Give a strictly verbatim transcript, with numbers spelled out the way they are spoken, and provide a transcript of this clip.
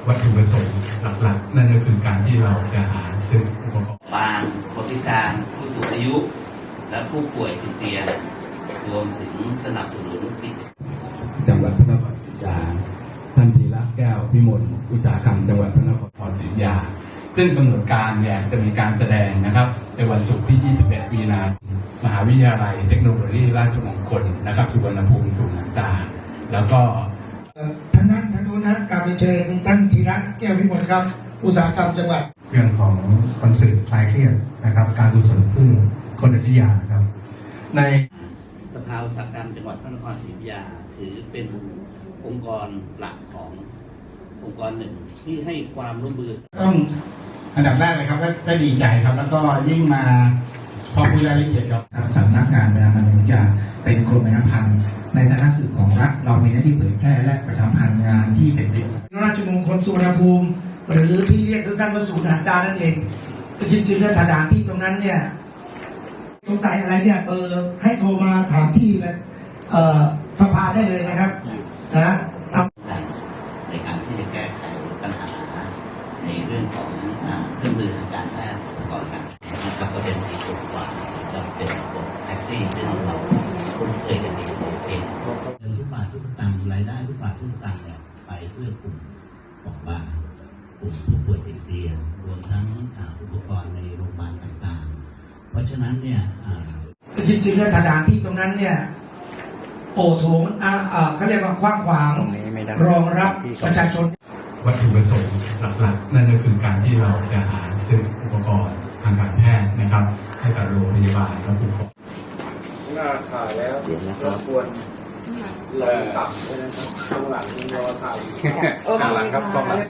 วัตถุประสงค์หลักๆนั่นก็คือการที่เราจะหาซื้ออุปกรณ์บางคนพิการผู้สูงอายุและผู้ป่วยติดเตียงรวมถึงสนับสนุนกิจจังหวัดพระนครศรีอยุธยาท่านธีระแก้วพิมลอุตสาหกรรมจังหวัดพระนครศรีอยุธยาซึ่งกำหนดการเนี่ยจะมีการแสดงนะครับในวันศุกร์ที่ ยี่สิบเอ็ด มีนาคมมหาวิทยาลัยเทคโนโลยีราชมงคลนะครับสุวรรณภูมิศูนย์ต่างๆแล้วก็ท่านนั้นท่านนู้นนะกราบเชิญท่านธีระแก้วพิมลครับอุตสาหกรรมจังหวัดเรื่องของคอนเสิร์ตคลายเครียดนะครับการกุศลเพื่อคนอัจฉริยะครับในสภาอุตสาหกรรมจังหวัดพระนครศรีอยุธยาถือเป็นองค์กรหลักขององค์กรหนึ่งที่ให้ความร่วมมือต้องอันดับแรกเลยครับก็ดีใจครับแล้วก็ยิ่งมาพอคุยรายละเอียดครับสำนักงานประชาสัมพันธ์วิทยาเป็นกรมประชาสัมพันธ์ในฐานะสื่อของรัฐเรามีหน้าที่เผยแพร่และประชาสัมพันธ์งานที่เป็นประโยชน์ราชมงคลสุวรรณภูมิหรือที่เรียกสั้นๆว่าศูนย์หันดานั่นเองจริงๆแล้วสถานที่ตรงนั้นเนี่ยสงสัยอะไรเนี่ยเบอร์ให้โทรมาถามที่สภาได้เลยนะครับนะในการที่จะแก้ไขปัญหาในเรื่องของเครื่องมือทางการแพทย์ก่อนกันนะครับก็เป็นที่ถูกกว่าเราเป็นระบบแท็กซี่ซึ่งเราคุ้นเคยกันดีโอเคเงินทุกบาททุกสตางค์รายได้ทุกบาททุกสตางค์เนี่ยไปเพื่อกลุ่มเปราะบางกลุ่มผู้ป่วยติดเตียงรวมทั้งอุปกรณ์ในโรงพยาบาลต่างๆเพราะฉะนั้นเนี่ยจริงๆแล้วสถานที่ตรงนั้นเนี่ยโอโถงเขาเรียกว่ากว้างขวางรองรับประชาชนวัตถุประสงค์หลักๆนั่นก็คือการที่เราจะหาซื้ออุปกรณ์ทางการแพทย์นะครับให้กับโรงพยาบาลและผู้ป่วยหน้าถ่ายแล้วรบกวนลงต่ำเลยนะครับข้างหลังรอถ่ายข้างหลังครับกล้องหลัง